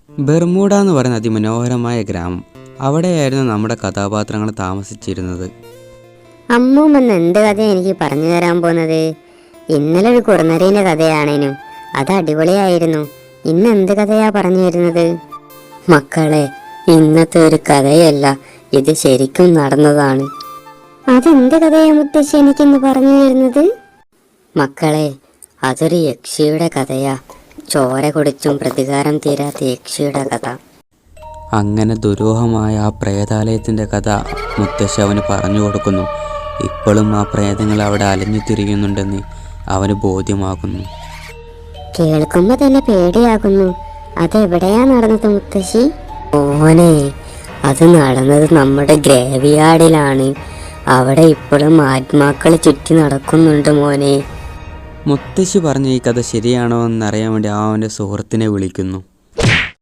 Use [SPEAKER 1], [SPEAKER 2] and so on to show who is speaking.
[SPEAKER 1] Bermuda എന്ന് പറയുന്ന അതിമനോഹരമായ ഗ്രാമം. അവിടെയായിരുന്നു നമ്മുടെ കഥാപാത്രങ്ങൾ താമസിച്ചിരുന്നത്.
[SPEAKER 2] അമ്മൂമ്മന്ന് എന്ത് കഥയാണ് എനിക്ക് പറഞ്ഞു തരാൻ പോകുന്നത്? ഇന്നലെ ഒരു കുറുനരീൻ്റെ കഥയാണേനും അത് അടിപൊളിയായിരുന്നു. ഇന്ന് എന്ത് കഥയാ പറഞ്ഞു തരുന്നത്?
[SPEAKER 3] മക്കളെ, ഇന്നത്തെ ഒരു കഥയല്ല, ഇത് ശരിക്കും നടന്നതാണ്.
[SPEAKER 2] അതെന്ത് കഥയാ മുത്തശ്ശി എനിക്കിന്ന് പറഞ്ഞു തരുന്നത്?
[SPEAKER 3] മക്കളെ, അതൊരു യക്ഷിയുടെ കഥയാ. ചോര കുടിച്ചും പ്രതികാരം തീരാത്ത യക്ഷിയുടെ കഥ.
[SPEAKER 1] അങ്ങനെ ദുരൂഹമായ ആ പ്രേതാലയത്തിൻ്റെ കഥ മുത്തശ്ശി അവന് പറഞ്ഞു കൊടുക്കുന്നു. ഇപ്പോഴും ആ പ്രേതങ്ങൾ അവിടെ അലഞ്ഞു തിരിയുന്നുണ്ടെന്ന് അവന് ബോധ്യമാകുന്നു.
[SPEAKER 2] കേൾക്കുമ്പോ തന്നെ പേടിയാകുന്നു. അതെവിടെയാ നടന്നത് മുത്തശ്ശി?
[SPEAKER 3] മോനെ, അത് നടന്നത് നമ്മുടെ ഗ്രേവിയാർഡിലാണ്. അവിടെ ഇപ്പോഴും ആത്മാക്കൾ ചുറ്റി നടക്കുന്നുണ്ട് മോനെ.
[SPEAKER 1] മുത്തശ്ശി പറഞ്ഞ ഈ കഥ ശരിയാണോ എന്നറിയാൻ വേണ്ടി അവൻ്റെ സുഹൃത്തിനെ വിളിക്കുന്നു.